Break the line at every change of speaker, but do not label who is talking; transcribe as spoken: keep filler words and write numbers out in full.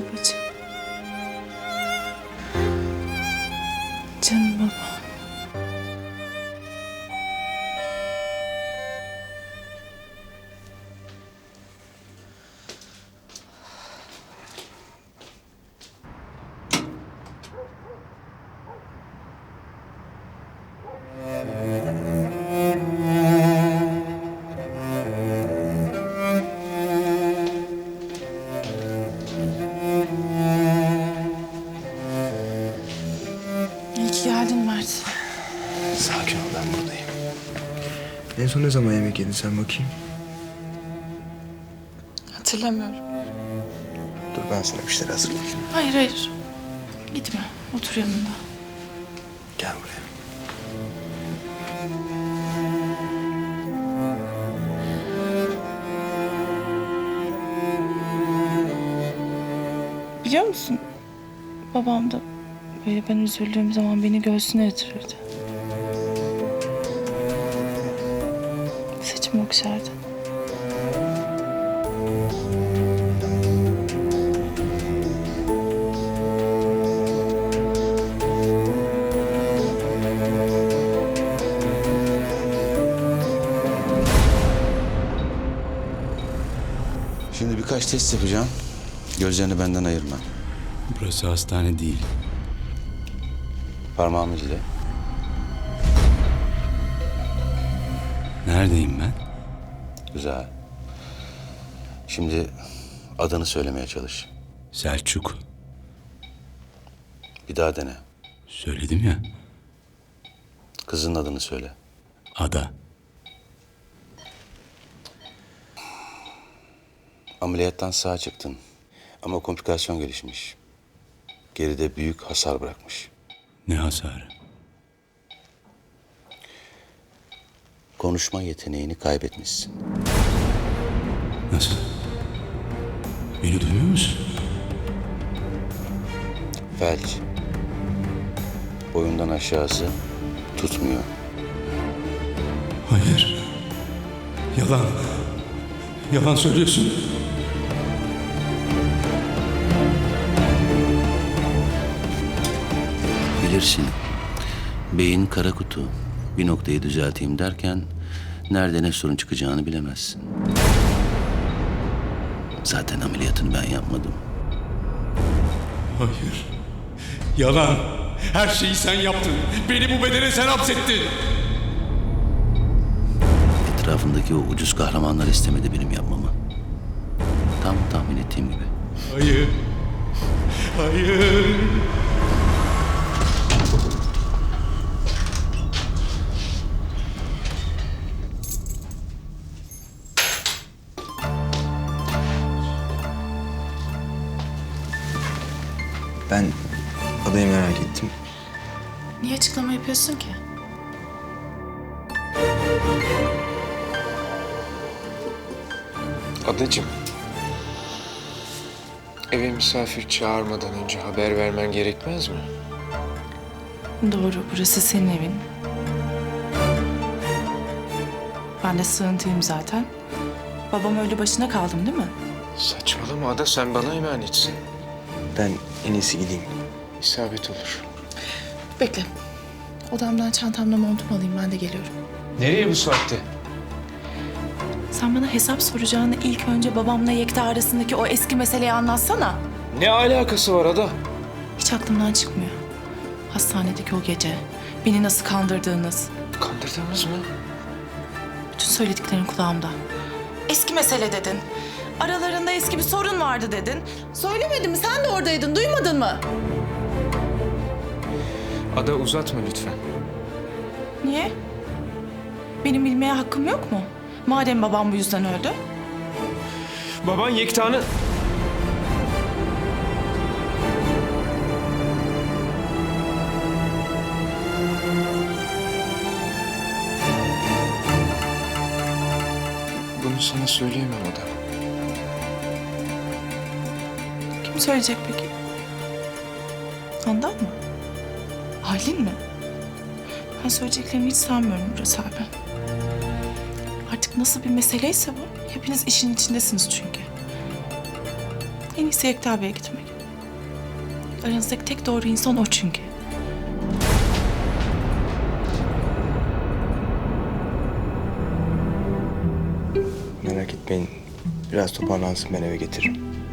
babacığım. Canım baba. İyi ki geldin Mert.
Sakin ol, ben buradayım. En son ne zaman yemek yedin sen bakayım?
Hatırlamıyorum.
Dur ben sana bir şeyler hazırlayayım.
Hayır hayır. Gitme. Otur yanımda.
Gel buraya.
Biliyor musun? Babam da böyle ben üzüldüğüm zaman beni göğsüne yatırırdı. Saçımı okşardı.
Şimdi birkaç test yapacağım. Gözlerini benden ayırma.
Burası hastane değil.
Parmağımı izle.
Neredeyim ben?
Güzel. Şimdi adını söylemeye çalış.
Selçuk.
Bir daha dene.
Söyledim ya.
Kızın adını söyle.
Ada.
Ameliyattan sağ çıktın. Ama komplikasyon gelişmiş. Geride büyük hasar bırakmış.
Ne hasarı?
Konuşma yeteneğini kaybetmişsin.
Nasıl? Beni duymuyor musun?
Felç. Boyundan aşağısı tutmuyor.
Hayır. Yalan. Yalan söylüyorsun.
Bilirsin. Beyin kara kutu. Bir noktayı düzelteyim derken nerede ne sorun çıkacağını bilemezsin. Zaten ameliyatını ben yapmadım.
Hayır. Yalan. Her şeyi sen yaptın. Beni bu bedene sen hapsettin.
Etrafındaki o ucuz kahramanlar istemedi benim yapmamı. Tam tahmin ettiğim gibi.
Hayır. Hayır.
Ben adayı merak ettim.
Niye açıklama yapıyorsun ki?
Adacığım, eve misafir çağırmadan önce haber vermen gerekmez mi?
Doğru, burası senin evin. Ben de sığıntıyım zaten. Babam öyle başına kaldım değil mi?
Saçmalama Ada, sen bana emanetsin.
Ben en iyisi gideyim.
İsabet olur.
Bekle. Odamdan çantamla montumu alayım, ben de geliyorum.
Nereye bu saatte?
Sen bana hesap soracağını ilk önce babamla Yekta arasındaki o eski meseleyi anlatsana.
Ne alakası var Ada?
Hiç aklımdan çıkmıyor. Hastanedeki o gece, beni nasıl kandırdığınız.
Kandırdığımız mı?
Bütün söylediklerin kulağımda. Eski mesele dedin. Aralarında eski bir sorun vardı dedin. Söylemedim mi? Sen de oradaydın. Duymadın mı?
Ada uzatma lütfen.
Niye? Benim bilmeye hakkım yok mu? Madem babam bu yüzden öldü.
Baban Yekta'nın... Bunu sana söyleyemem Ada.
Kim söyleyecek peki? Handan mı? Halin mi? Ben söyleyeceklerimi hiç sanmıyorum Murat abi. Artık nasıl bir meseleyse bu, hepiniz işin içindesiniz çünkü. En iyisi Yekta Bey'e gitmek. Aranızdaki tek doğru insan o çünkü.
Merak etmeyin. Biraz toparlansın, ben eve getiririm.